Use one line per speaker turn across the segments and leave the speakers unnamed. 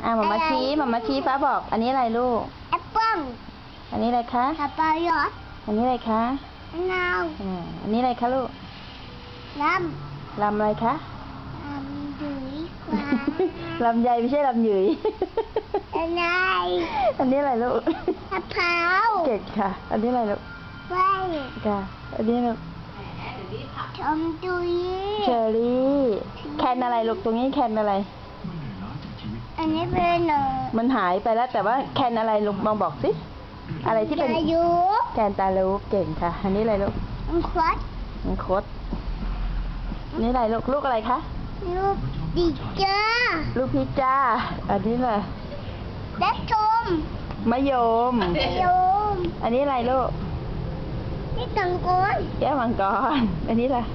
หมาชี้ฟ้าบอก อันนี้อะไรลูก
แอปเปิ้ล
อันนี้อะไรคะ
สับปะรด
อันนี้อะไรคะ
มะนาว
อันนี้อะไรคะลูก
ล
ลำอะไรคะ
ำดุยกว่า
ลำไยไม่ใช่ลำหยุย
อะไร
อันนี้อะไรลูก
มะพร้าว
เก่งค่ะ อันนี้อะไรลูก
ไว้
ค่ะ อันนี้ลูก
ชมดุย
เชอรี่ แคนอะไรลูก ตรงนี้แคนอะไร
อันนี้เป็นหนู
มันหายไปแล้วแต่ว่าแคนอะไรลูกมองบอกสิ อะไรที่เป็น
อายุ
แคนตาลูปเก่งค่ะ อันนี้อะไรลูก
มันควัด
มันคดนี่อะไรลูก ลูกอะไรคะ
ลูกดีเจอ
ลูกพิซซ่า อันนี้แหละ
และชม
มะยม
โยม
อันนี้อะไรลูก
นี่ตังกอน
แก้วมังกร อันนี้ล่ะ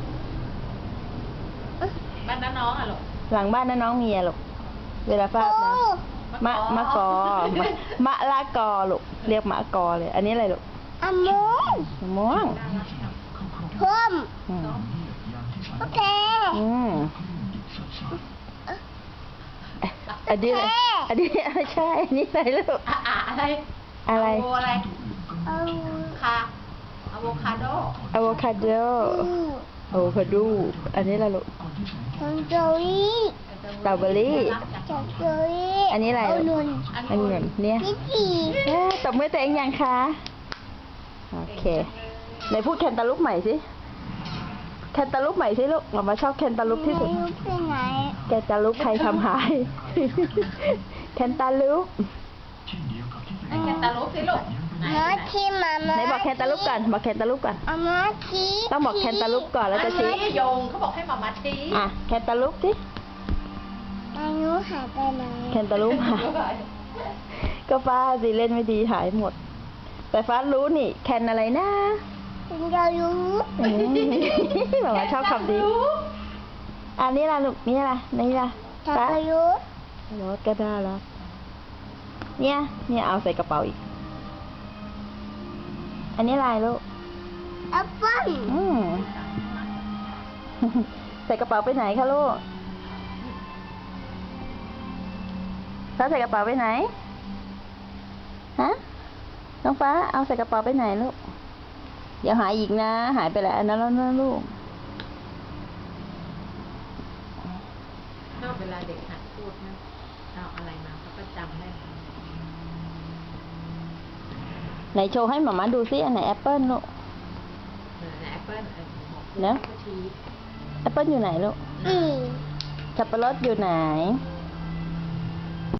บ้านน้าน้องอ่ะลูก
หลังบ้านน้าน้องเมียลูก เวลาฟาดนะ มะกอ มะละกอลูก เรียกมะกอเลย อันนี้อะไรลูก
อะมง
มะม่วง
เพิ่ม
อืม
โอเค
อืมอันนี้อะไรอันนี้ไม่ใช่ อันนี้อะไรลูก
อะไร
อะไร
โอะไร
เอา
คาอะโวคาโด
อะโวคาโด อะโวคาโด อันนี้อะไรลูก
ชมดุย
สตรอเบอรี่
ชมดุย
อันนี้อะไร
เอา
ลู
นุ
ก
น
อันนี้เนี่ย
พี่จี
ตบมือตัวเองยังคะ โอเคไหนพูดแคนตาลูปใหม่สิ แคนตาลูปใหม่สิลูกเรามาชอบแคนตาลูปที่สุด
ไม่รู้ไปไหน
แคนตาลูปใครทำหาย แคนตาลูป
แคนตาลูปสิลูกไหน
น้อยที่มา
ไหนบอกแคนตาลูปก่อน บอกแคนตาลูปก่อน
เอามาชี้
ต้องบอกแคนตาลูปก่อนแล้วจะชี้
ชี้โยงเขาบอกให้มาชี้
อ่ะ แคนตาลูปสิ
อายุหายไปไหน
แคนตาลูปหายก็ฟ้าสิเล่นไม่ดีหายหมด แต่ฟ้ารู้นี่ แคนอะไรนะ
เป็นเรารู้
อืม บอกว่าชอบคำดี อันนี้ล่ะลูกนี่ล่ะนี่ล่ะ
จัก
ฟ้าร
ยุทธ
รถก็ได้แล้ว เนี่ยเอาใส่กระเป๋าอีก อันนี้ลายลูก
แอปเปิ้ล
อืม ใส่กระเป๋าไปไหนคะลูกฟ้าใส่กระเป๋าไปไหน ฮะ น้องฟ้าเอาใส่กระเป๋าไปไหนลูก เดี๋ยวหายอีกนะ หายไปแล้วอันนั้นแล้วนะลูก
ชอบเวลาเด็กหัดพูดนะเอาอะไรมาเขาก็จำได้
ไหนโชว์ให้หมาม่าดูซิอันไหนแอปเปิ้ลลูก
แอปเปิ้ล
เนอะ แอปเปิ้ลอยู่ไหนลูก
อืม
สับปะรดอยู่ไหน
อ